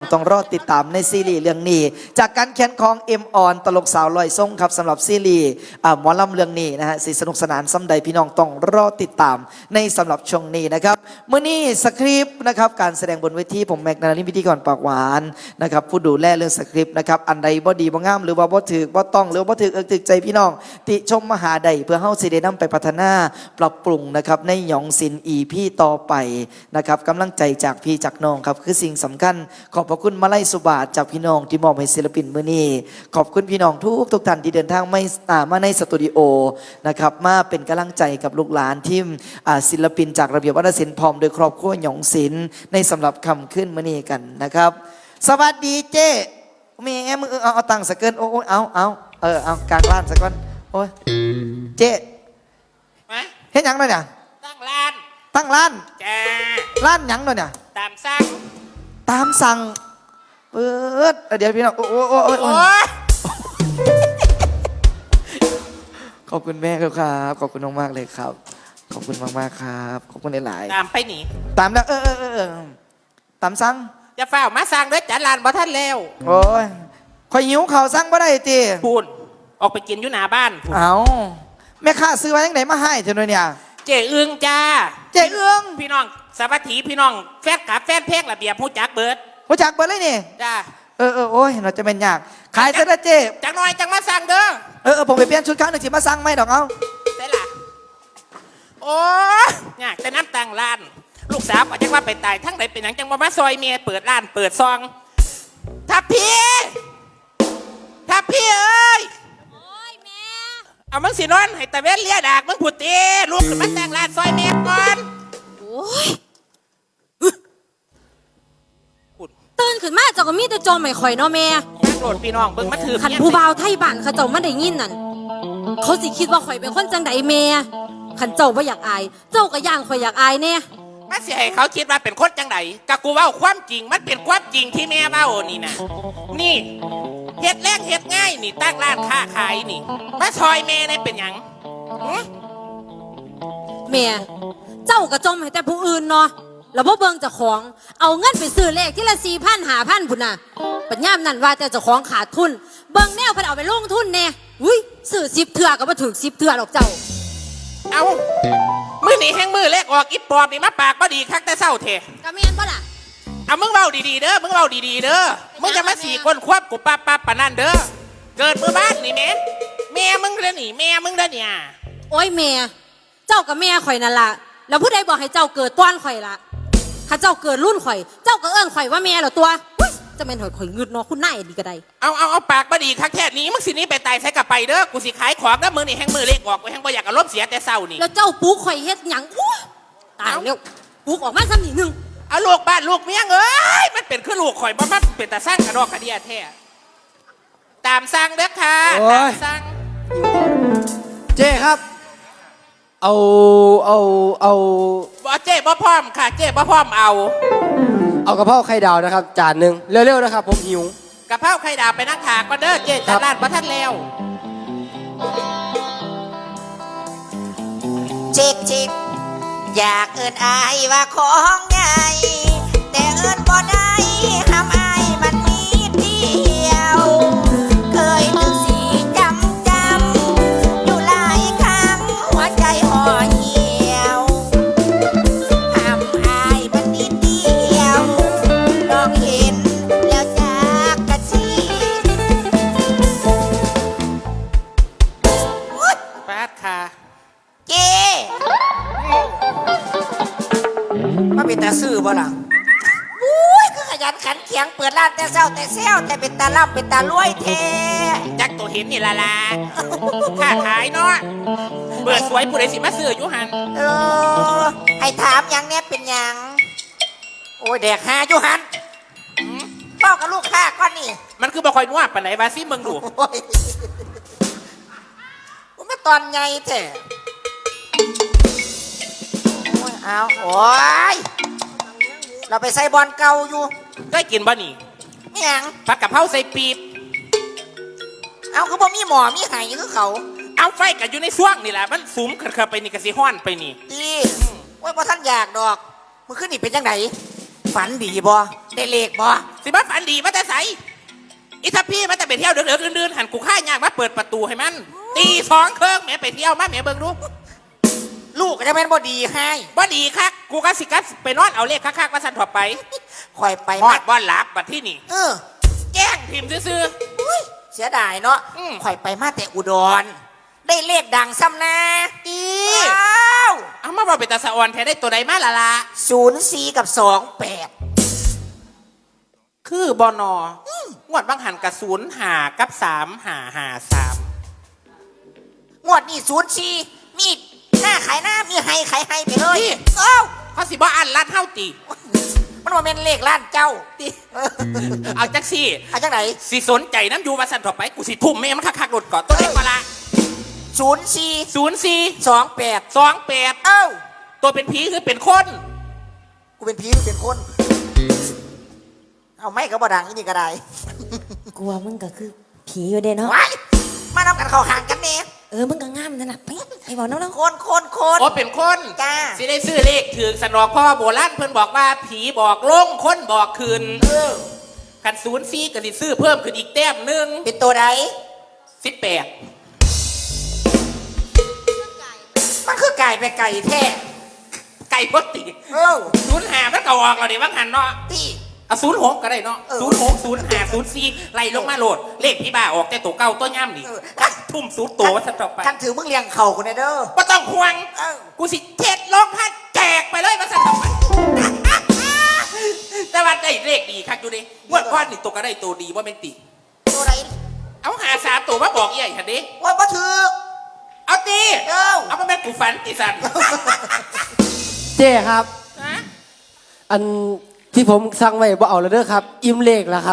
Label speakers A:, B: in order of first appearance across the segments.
A: ต้องรอติดตามในซีรีส์เรื่องนี้จากการเขียนของเอ็มออนตลกสาวลอยทรงครับสำหรับซีรีส์หมอลำเรื่องนี้นะฮะสิสนุกสนานซ้ำใดพี่น้องต้องรอติดตามในสำหรับช่วงนี้นะครับเมื่อนี้สคริปต์นะครับการแสดงบนเวทีผมแม็กนาลิพิธีกรปากหวานนะครับผู้ดูแลเรื่องสคริปต์นะครับอันใดบ่ดีบ่งามหรือว่าบ่ถือบ่ต้องหรือบ่ถือถึกใจพี่น้องติชมมหาใดเพื่อเฮาสิได้นำไปพัฒนาปรับปรุงนะครับในหยองศิลป์พี่ต่อไปนะครับกำลังใจจากพี่จากน้องครับคือสิ่งสำคัญขอบพระคุณมาลัยสุบาทจากพี่น้องที่มอบให้ศิลปินมื้อนี้ขอบคุณพี่น้องทุกท่านที่เดินทางมาในสตูดิโอนะครับมาเป็นกำลังใจกับลูกหลานที่ศิลปินจากระเบียบวัฒนศิลป์พร้อมโดยครอบครัวหยองศิลป์ในสำหรับคำขึ้นมื้อนี้กันนะครับสวัสดีเจ้แม่มึงเอาตังค์สักเกินโอ้เอากลางร้านสักก่อนโอ้ยเจ้เฮ็ดหยังหน่อยเนี่ยตั้งร้านจ้าร้านหยังหน่อยเนี่ยตามสั่งเปิดเดี๋ยวพี่น้องโอ้ขอบคุณแม่ครับขอบคุณมากๆเลยครับขอบคุณมากๆครับขอบคุณหลายๆ
B: ตามไปหนี
A: ตามแล้วตามสั่ง
B: จะเฝ้ามาสั่งด้วยจัดร้านบ่ทันแล้ว
A: โอ้ยคอยหิวข่าวสั่งบ่ได้ตี
B: พูนออกไปกินอยู่หน้าบ้าน
A: เอาแม่ข้าซื้อมาจังไหนมาให้เธอหน่อยเนี่ย
B: เจ๊เอื้องจ้า
A: เจ๊เอื้อง
B: พี่น้องสวัสดีพี่น้องแฟนกับแฟนเพลงระเบียบผู้จักเบิร์ด
A: เลยนี่
B: จ้า
A: โอ้ยเราจะเป็นยากขายซะนะเจ๊
B: จังหน่อยจังมาสั่งเด้
A: อผมไปเปลี่ยนชุดครั้งหนึ่งสิมาสั่งไหมดอกเอา
B: ได้ล่ะโอ้ยากแต่น้ำตังร้านลูกสาวก็จังว่าไปตายทั้งใดเป็นหยังจังว่ามาซอยเมียเปิดร้านเปิดซองทับพี่เอ้ย
C: โอ้ยแม่
B: เอามึงสินอนให้ตะเวนเลียดากมึงพูดตีลูกขึ้นมาแต่งร้านซอยเมียก่อน
C: โอ้ยตื่นขึ้นมาเจ้าก็มีแต่จมไม่ข่อยเนาะแม่
B: โกรธพี่น้องเบิ่งมาถือ
C: ขันผู้บ่าวไทยบ้านเขาเจ้ามาได้ยินนั่นเขาสิคิดว่าข่อยเป็นคนจังใดแม่ขันเจ้าบ่อยากอายเจ้าก็ย่างข่อยอยากอายแน่
B: มาสิให้เขาคิดว่าเป็นคนจังใดกะกูเว้าความจริงมันเป็นความจริงที่แม่เว้านี่นะนี่เฮ็ดแรงเฮ็ดง่ายนี่ตั้งร้านค้าขายนี่มาซอยแม่ได้เป็นหยัง
C: แม่เจ้าก็จมให้แต่ผู้อื่นเนาะแล้วบ่เบิ่งเจ้าของเอาเงินไปซื้อเลขที่ละ 4,000 5,000 พุ่นน่ะปัญญามนั่นว่าแต่เจ้าของขาดทุนเบิ่งแนวเพิ่นเอาไปลงทุนแน่อุ้ยซื้อ10เทื่อก็บ่ถึง10เทื่อหรอกเจ้า
B: เอามื้อนี้แห่งมือเลขออกอีปอบนี่มาปากบ่ดีคักแต่เช้าแท้
C: ก็แม่นบ่ล่ะ
B: เอามึงเว้าดีๆเด้อมึงจะมา4คนควบกูปั๊บปะนั่นเด้อเกิดมื้อบ้านนี่แม่มึงเด้อนี่แม่มึงเด้อเนี่ย
C: โอ้ยแม่เจ้ากับแม่ข่อยนั่นล่ะแล้วผู้ใดบอกให้เจ้าเกิดต้อนข่อยล่ะข้าเจ้าเกิดรุ่นข่อยเจ้าก็เอิ้นข่อยว่าแม่เหรอตัวจะเป็นข่อยงึดเนาะคุณนายดีก็ได้
B: เอาปากบ่ดีคักแท้นี้มึงสินี้ไปตายใส่กลับไปเด้อกูสิขายของเด้อมื้อนี่แห่งมือเลขออกกูแห่งบ่อยากอารมณ์เสียแต่เช้านี่
C: แล้วเจ้าปุ๊กข่อยเฮ็ดหยังตายแล้วปุ๊กออกมาซ้ำนิดนึง
B: เอาลูกบ้านลูกเมียเอ้ยมันเป็นคือลูกข่อยบ่มันเป็นตาสร้างกระดอกกระเดียแท้ตามสั่งเด้อค่ะตามสั่ง
A: เจ้ครับเอา
B: บ่เจ๊บ่พร้อมค่ะเจ๊บ่พร้อมเอา
A: กะเพราไข่ดาวนะครับจานหนึ่งเร็วๆนะครับผมหิว
B: กะเพราไข่ดาวไปนั่งถากมาเด้อเจ๊จัดร้านบ่ทันแล้ว
D: จิกอยากเอิ้นอายว่าของใหญ่แต่เอิ้นบ่ได้ห้ามอายมันมีเดียวเคยนึกสีจำอยู่หลายครั้งหัวใจห่อเหี่ยวห้ามอายมันนิดเดียวลองเห็นแล้วจากกะชี
B: ปาดค่ะ
D: เจ๊มาเป็นตาซื่อบ่ล่ะอุ้ยคือขยันขันเขียงเปิดร้านแต่เช้าแต่เซลแต่เป็นตาล่ำเป็นตารวยแท้
B: จักตัวเห็นนี่ละค่าขายเนาะเปิดสวยผู้ใดสิมาซื้ออยู่หัน
D: ให้ถามยังเนี่ยเป็นยังโอ้ยแดกหาอยู่หันบอกกับลูกค้าก่อนนี่
B: มันคือบ่ค่อยนัวปานไหนบาซิมึงดู
D: มันตอนไงแท้เอาโอ้ยเราไปใส่บอลเก่าอยู่
B: ได้กินบ่นี่
D: ไม่ยัง
B: ผัดกะเพราใส่ปี๊บ
D: เอาเขาบอกมีหมอมีไห่คือเขา
B: เอาไฟกันอยู่ในช่วงนี่แหละมันสูมขึ้นไปนี่กะสิห้อนไปนี่
D: ดีว่าท่านอยากดอกมึงขึ้นนี่เป็นยังไงไฟฝันดีบ่ได้เลขบ่
B: สิบ้าฝันดีมาแต่ใสอีทัพพี่มาแต่ไปเที่ยวเดือดๆดื่นๆหันกูฆ่ายากมาเปิดประตูให้มันตี2 เครื่องแหม่ไปเที่ยวมาแหม่เบิ่งดู
D: ลูกก็จะเป็นบ่ดีให้
B: บ่ดีคักกูก็สิกัสไปนอนเอาเลขคักๆมาสั่นถอดไป
D: คอยไป
B: ฮอ
D: มา
B: ดบ่หลับบัดที่นี่
D: เออ
B: แกล้งพิมพ์ซื่อ
D: อุ้ยเสียดายเนาะ
B: อืม
D: คอยไปมาแต่อุดร ได้เลขดังซ้ำนะ
B: ๆอี
D: ว้าว
B: เอามาบอกเป็นตาสะออนแท้ได้ตัวใดมาละละ
D: 04 กับ 28
B: คือบอนองวดบางหันกับ0 5 กับ 3 5 5 3
D: งวดนี้04มีหน้าขายหน้ามีไฮขายไฮไปเลย
B: นี่
D: เอ้า
B: เขาสิบ่อันลัดเท่าตี
D: มันว่าเป็นเลขล้านเจ้าติ
B: เอาจักซี่
D: เอาจังไหน
B: สิสนใจน้ำยูมาสั่นถอดไปกูสิทุ่มแม่มันคักๆหลดก่อนตัวเล็กมาละ
D: 04
B: 04
D: 28
B: 28
D: เอ้า
B: ตัวเป็นผีคือเป็นคน
D: กูเป็นผีหรือเป็นคน เอาไม่ก็บ่ดังอีนี่ก็ได้
E: กลัวมึงก็คือผีอยู่เด้เนาะ
D: ว้ายมานำกันเข้าห่างกันเนี่ย
E: มึงก็งามนั่นน่ะไอ้บอกน้อง
D: คน
B: โอ้เป็นคน
D: จ้า
B: สิได้ซื้อเลขถึงสนอกเพราะว่าโบราณเพิ่นบอกว่าผีบอกลงคนบอกคืน
D: เออ
B: กัน04ก็สิซื้อเพิ่มขึ้นอีกแต้มหนึง
D: เป็นตัวใด
B: 18
D: มันคือไก่ไปไก่แท้
B: ไก่บ่ติ
D: เออ
B: 05มันก็ออกแล้วนี่ว่าหันเนาะ
D: ที่
B: เอา06ก็ได้เนาะ
D: เออ
B: 06 05 04ไล่ลงมาโหลด เลขพี่บ้าออกแต่ตัวเก่าตัวย่ำนี่
D: เออ
B: ทุ่มสูตรตัวว่าจะต่อไป
D: ท่านถือมึงเลี้ยงเข่ากูแน่เด้อ
B: บ่ต้องห่วง
D: เออ
B: กูสิเจ็ดลงพันแจกไปเลยว่าจะต่อไป แต่ว่าได้เลขดีครับอยู่ดิงวดก้อนนี่ตัวก็ได้ตัวดีว่าเป็นติ
D: ตัวไหน
B: เอาหา3 ตัวมาบอกใหญ่คันดิ
D: ว่าบ่ถือ
B: เอาตี
D: เอ้า
B: เอามาแม่กูฝันติสัน
F: เจ้ครับ
B: ฮะ
F: อันที่ผมสั่งไว้บ่เอาแล้วเด้อครับ อิ่มเลขแล้วครับ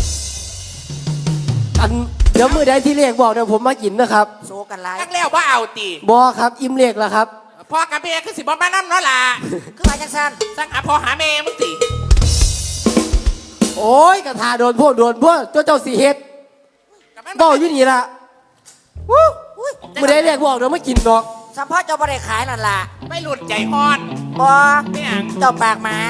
F: อันเดี๋ยวมือใดที่เลขบอกเดี๋ยวผมมากินนะครับ
D: โซกันไลาย
B: ตั้งแล้วว่าเอาตี
F: บอครับ อิ่มเลขแล้วครับ
B: พ่อกับแม่คือสิบ่มานั่นเนาะล่ะ
D: คือมาจังซั่น
B: สั่งหาพ่อหาแม่มึงติ
F: โอ้ยกระทาโดนพวกเจ้าสีเฮ็ด
B: กับมัน
F: บอกอยู่นี่ละวู้มือใดเลขบอกเดี๋ยวมากินดอก
D: สัมภาษณ์เจ้าบ่ได้ขายนั่นล่ะ
B: ไม่หลุดใจฮอน
D: บ่
B: ไม่หยัง
D: เจ้าปากหมา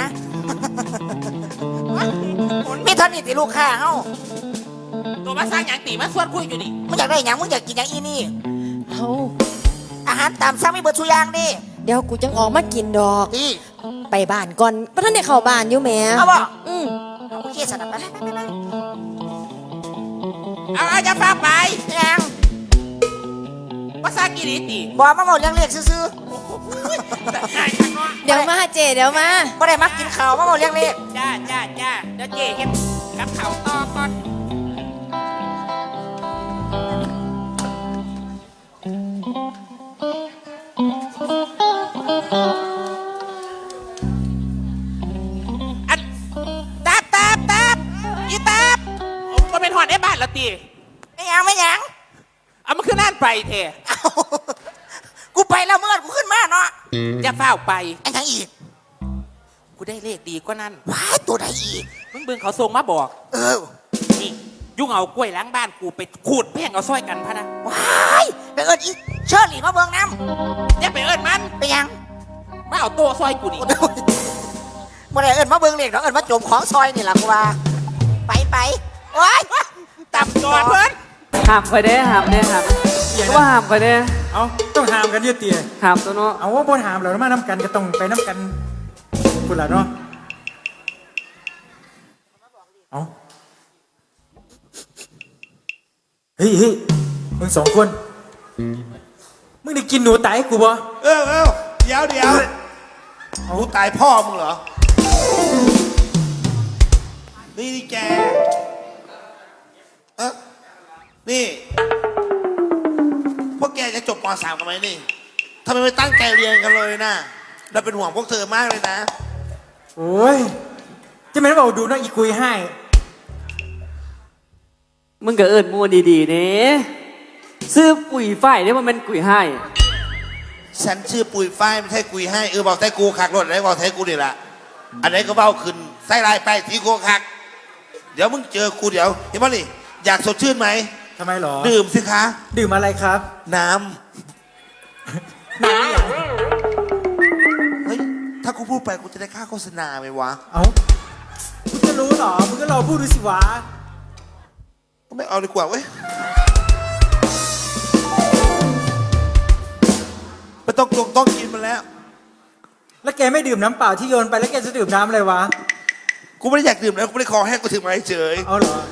D: มีเท่านี้ติลูกค้าเฮา
B: ตัวมาสร้างหยังตีมาสวดคุยอยู่ดิ
D: มึงอยากได้หยังมึงอยากกินหยังอีนี่
E: เอา
D: อาหารตามสั่งมีเบิดทุกอย่างดิ
E: เดี๋ยวกูจังออกมากินดอก
D: ที่
E: ไปบ้านก่อนเพราะท่านได้เข้าบ้านอยู่แหม่
D: เอาบ่
E: อืม
D: โอเคสนับไป
B: เอาจะฝากไป
D: ยัง
B: มาสร้างกี่ดีตี
D: บอกมาบอกเรื่องเลขซื้อ
B: ได้ข้างนอก
E: เดี๋ยวมาเจเดี๋ยวมา
D: ๆบ่ได้มักกินข้าวมาบอกเรื่องเลข
B: จ้าเดี๋ยวเจ๊เฮ็ดกับเขาวต่อก่อน อันตับอีตับผมก็เป็นหอนไอ้บ้านละตี
D: ไม่ยัง
B: เอามันขึ้นน่านไปเถอะ
D: เอากูไปแล้วเมื่อกูขึ้นมาเนาะ
B: จะเฝ้าไป
D: ไอ้ยังอีก
B: กูได้เลขดีกว่านั้น
D: ว้ายตัวใดอีก
B: มึงเบิ่งเขาส่งมาบอก
D: เออ
B: นี่ยุ่งเอากล้วยล้างบ้านกูไปขูดแพ่งเอาซ้อยกันพะนะ
D: ว้ายไปเอิญอีเชิญหลีมาเบิ่งน้
B: อย่าไปเอิ้นมัน
D: ำไปยัง
B: มาเอาโต๊ะซ้อยกูนี่
D: บ่ได้เอิญมาเบิ่งเลขเนาะเอิญมาโจมของซอยนี่ล่ะกูว่าไปว้าย
B: ตับจอดเพิ่น
G: ห้ามไปเด้ห้ามเด้ห้ามก็ว่าห้ามไปเด้
H: เอาต้องหามกันอยืดเตีย
G: ห้ามตัวเนาะ
H: เอาว่าบนหามเรามาน้ำกันก็ต้องไปน้ำกันคุณล่ะเนาะเอาเฮ้ยมึง2 คนมึงได้กินหนูตายให้กูบ่
I: เดี๋ยวรู้ตายพ่อมึงเหรอ นี่แกนี่ พวกแกจะจบป .3 กันไหมนี่ทำไมไม่ตั้งใจเรียนกันเลยนะเราเป็นห่วงพวกเธอมากเลยนะ
H: โอ้ยจะไม่ได้บอกดูเนาะอีกุยให้
G: มึงก็เอิญมัวดีๆเด้ซื้อปุ๋ยฝ้ายได้ว่ามันกุยให้
I: ฉันชื่อปุยฝ้ายไม่ใช่กุยให้บอกใช่กูขักรถอะไรบอกใช่กูนี่แหละอันไหนก็เบ้าขึ้นไส้ลายไปทีกูขัก เดี๋ยวมึงเจอกูเดี๋ยวเห็นป่ะนี่อยากสดชื่นไหม
H: ทำไมหรอ
I: ดื่มสิคะ
H: ดื่มอะไรครับ
I: น้ำเฮ้ยถ้ากูพูดไปกูจะได้ค่าโฆษณาไหมวะ
H: เอารู้เหรอมึงก็รอพูดดูสิวะ
I: ไม่เอาดีกว่าเว้ยไม่ต้องกินมันแล้ว
H: แล้วแกไม่ดื่มน้ำเปล่าที่โยนไปแล้วแกจะดื่มน้ำอะไรวะ
I: กูไม่ได้อยากดื่มแล้วกูไม่ได้คอแห้งกูถึงมาเฉย
H: เอาเหรอ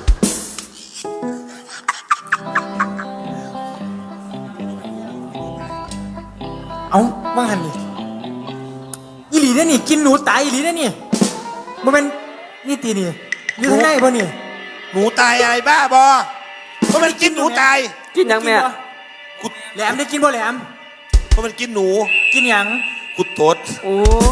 H: เอาว่างหันนี่อีหลีเนี่ยนี่กินหนูตายอีหลีเนี่ยนี่มันเป็นนี่ตีนี่อยู่ข้างในป่ะนี่
I: หนูตายอะไรบ้าบอเพราะมันกินหนูตาย
G: กินยังแม่
I: กู
H: แหลมได้กินบ่แหลม
I: เพราะมันกินหนู
H: กินหยัง
I: กูตด
G: โอ้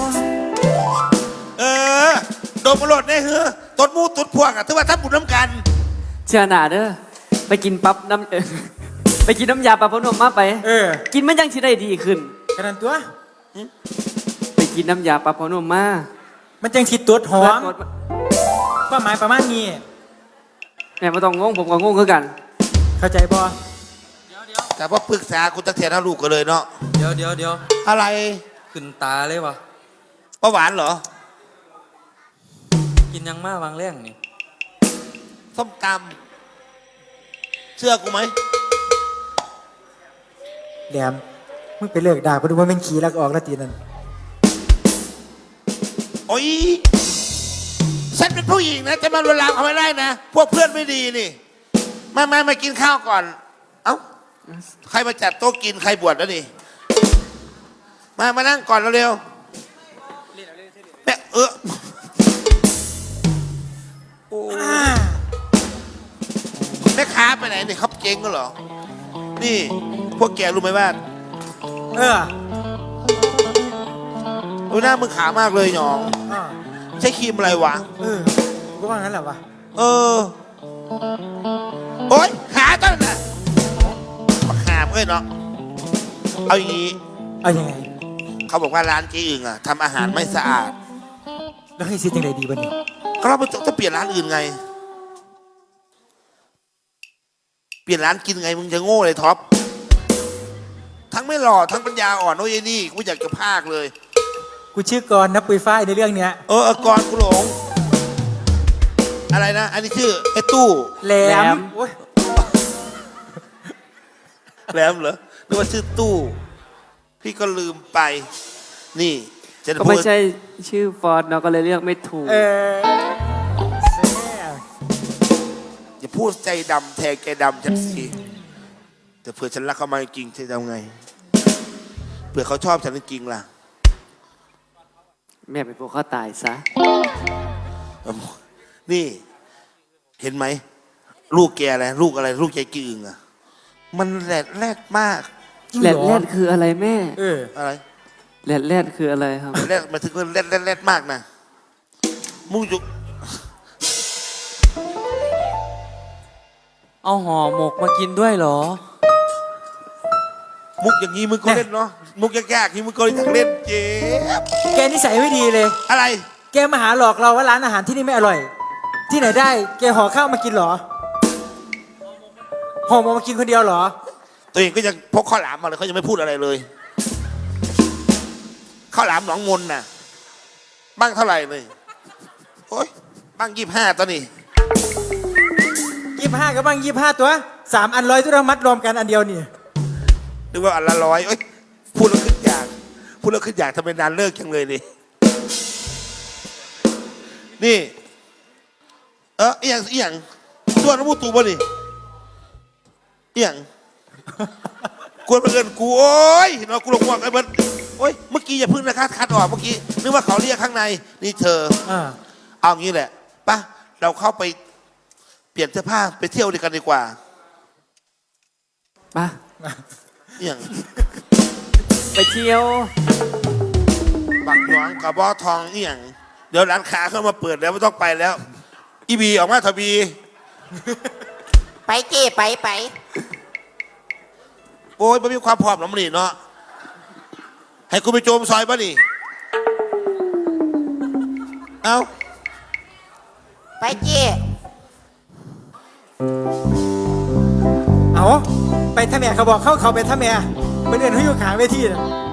I: โดนมาโหลดได้เหรอตดมูตดพวกอ่ะถือว่าถ้าบุญน้ำกัน
G: เชื่อหนาเด้อไปกินปั๊บน้ำ ไปกินน้ำยาปลาพนมมาไป กินมันยังสิได้ดีขึ้น
H: ขนาดตัว
G: ไปกินน้ำยาปลาพนมมา
H: มันจังสิตัวหอม
G: เพื่น
H: ความหมายประมาณนี้
G: แม่ไม่ต้องงงผมก็งงคือกัน
H: เข้าใจบ่
I: แต่พอปรึกษาคุณตะเทียนเอาลูกกันเลยเนาะ
J: เดี๋ยว
I: อะไร
J: ขึ้นตาเลยวะ
I: ประหวานเหรอ
J: กินยังมาวางแรงนี่
I: ส้มตำเชื่อกูไหม
H: แหลมมึงไปเลิกด่าไปดูว่าเป็นขี้แล้วก็ออกแล้วตีนั่น
I: โอ้ยฉันเป็นผู้หญิงนะจะมาลวนลามเขาไม่ได้นะพวกเพื่อนไม่ดีนี่มากินข้าวก่อนเอ้าใครมาจัดโต๊ะกินใครบวชแล้วนี่มานั่งก่อนเร็วๆแม่โอ้แม่ค้าไปไหนนี่เขาเจ๊งก็เหรอนี่พวกแกรู้ไหมว่าดูหน้ามึงขามากเลยหยองใช้ครีมอะไรวะ
H: ก็ว่างั้นแหละวะ
I: โอ๊ยขาต้นน่ะขาเพื่อนเนาะเอาอย่างนี้
H: เอายังไง
I: เขาบอกว่าร้านเจ๊อึ่งอ่ะทำอาหารไม่สะอาด
H: แล้วให้ซิยังไงดีบ้านี่
I: ก็เราจะเปลี่ยนร้านอื่นไง เปลี่ยนร้านกินไงมึงจะโง่เลยท็อปทั้งไม่หล่อทั้งปัญญาอ่อนโอ้ยนี่กูอยากจะพากเลย
H: กูชื่อกรณ์นะปุยฝ้ายในเรื่องเนี้ย
I: กรกูหลงอะไรนะอันนี้ชื่อไอ้ตู้
H: แหลม
I: แหลมเหรอนึกว่าชื่อตู้พี่ก็ลืมไปนี่จะ
G: ก็ไม่ใช่ชื่อฟอร์ดเนาะก็เลยเรียกไม่ถูก
I: อย่าพูดใจดำแทงใจดำจังสิแต่เผื่อฉันรักเขามาจริงจะทำไงเผื่อเขาชอบฉันจริงล่ะ
G: แม่ไปพวกเขาตายซะ
I: นี่เห็นไหมลูกแกอะไรลูกอะไรลูกใจจืงอ่ะมันแรดมาก
G: แรดคืออะไรแม่
I: อะไร
G: แรดคืออะไรครับ
I: แรดมาถึงแรดมากนะมุ้งจุก
J: เอาห่อหมกมากินด้วยเหรอ
I: มุกอย่างนี้มึงก็เล่นเนาะมุกยากๆนี่มึงก็อยากเล่นเจ๊
H: แกนิสัยไม่ดีเลย
I: อะไร
H: แกมาหาหลอกเราว่าร้านอาหารที่นี่ไม่อร่อย ที่ไหนได้แกห่อข้าวมากินเหรอห่อมากินคนเดียวเหรอ
I: ตัวเองก็ยังพกข้าวหลามมาเลยเขายังไม่พูดอะไรเลยข้าวหลามหนองมนน่ะบ้างเท่าไหร่เลยโอ๊ยบ้าง25ตัวนี่
H: 25กับบ้าง25ตัว3 อัน100ตัวเรามัดรวมกันอันเดียวนี่
I: นึกว่าอันละ100เอ้ยพูดแล้วขึ้นอยากทำไมนานเลิกจังเลยนี่อีหยังส่วนน้ำมูตูบ่นี่อีหยังกวนมาเกินกูโอ้ยเนาะกูหลงห่วงไอ้เบิร์ดโอ้ยเมื่อกี้อย่าพึ่งนะคัดออกเมื่อกี้นึกว่าเขาเรียกข้างในนี่เธอเอางี้แหละป่ะเราเข้าไปเปลี่ยนเสื้อผ้าไปเที่ยวด้วยกันดีกว่า
G: ป่ะ
I: อย่าง
G: ไปเที่ยว
I: บักหยองกับบอทองอย่างเดี๋ยวร้านค้าเข้ามาเปิดแล้วไม่ต้องไปแล้วอีบีออกมาทบี
D: ไปเจ้ไป
I: โอ้ยไม่มีความพร้อมหรอกมันนี่เนาะให้กูไปโจมซอยป่ะนี่เอา
D: ไปเจ้
H: เอาไปท่าแม่เขาบอกเขาไปท่าแม่เป็นเรื่องที่อยู่ขางเวทีนะ